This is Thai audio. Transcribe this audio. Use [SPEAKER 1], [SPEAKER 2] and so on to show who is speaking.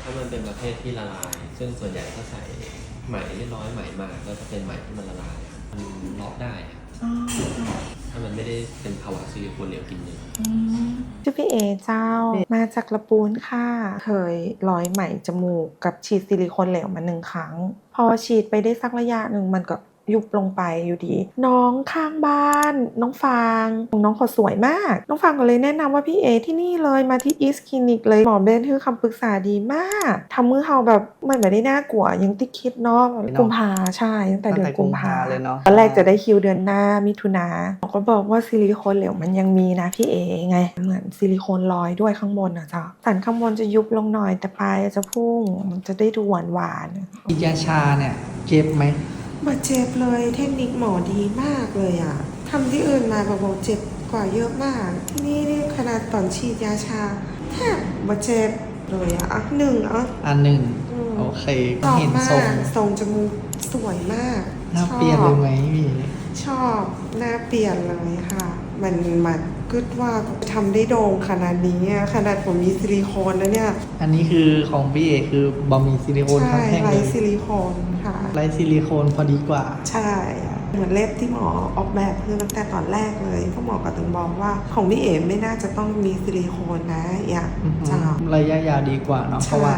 [SPEAKER 1] ามันเป็นประเภทที่ละลายซึ่งส่วนใหญ่ก็ใส่ไหมเรียบร้อยไหมมาก็จะเป็นไหมที่มันละลายมันล็อกได้ถ้ามันไม่ได้เป็นภาวะซิลิโคนเหลวกินเนื้อ
[SPEAKER 2] ชื่อพี่เอเจ้ามาจากละปูนค่ะเคยร้อยไหมจมูกกับฉีดซิลิโคนเหลวมา1 ครั้งพอฉีดไปได้สักระยะหนึ่งมันก็ยุบลงไปอยู่ดีน้องข้างบ้านน้องฟางน้องเขาสวยมากน้องฟางก็เลยแนะนำว่าพี่เอที่นี่เลยมาที่อีสคลินิกเลยหมอเบนคือคำปรึกษาดีมากทำมือเขาแบบมันไม่ได้น่ากลัวยังติดคิดเนาะกุมภาใช่ตั้งแต่เดือนกุมภาเลยเนาะตอนแรกจะได้คิวเดือนหน้ามิถุนาเขาก็บอกว่าซิลิโคนเหลวมันยังมีนะพี่เอไงเหมือนซิลิโคนลอยด้วยข้างบนอะจ้ะสันข้างบนจะยุบลงหน่อยแต่ปลายจะพุ่งมันจะได้ดูหวาน
[SPEAKER 3] ฉีดยาชาเนี่ยเจ็บไหม
[SPEAKER 2] มาเจ็บเลยเทคนิคหมอดีมากเลยอะทำที่อื่นมาบอกเจ็บกว่าเยอะมากที่นี่ขนาดตอนฉีดยาชาแทบมาเจ็บเลยอะหนึ่ง
[SPEAKER 3] โอเค
[SPEAKER 2] เห็นทรงจมูกสวยมาก
[SPEAKER 3] หน้าเปลี่ยนเลยไหมพี่
[SPEAKER 2] ชอบหน้าเปลี่ยนเลยค่ะมันกึดว่าทำได้โด่งขนาดนี้ขนาดผมมีซิลิโคนแล้วเนี่ย
[SPEAKER 3] อันนี้คือของพี่เอคือบะหมี่ซิลิโคนทั้งแท่งเลย
[SPEAKER 2] ไร้ซิลิโคนค่ะ
[SPEAKER 3] ไร้ซิลิโคนพอดีกว่า
[SPEAKER 2] ใช่เหมือนเล็บที่หมอออกแบบคือตั้งแต่ตอนแรกเลยเพราะหมอก็ถึงบอกว่าของพี่เอ๋ไม่น่าจะต้องมีซิลิโคนนะอยากจะ
[SPEAKER 3] ระยะยาวดีกว่าเนาะเพราะว่า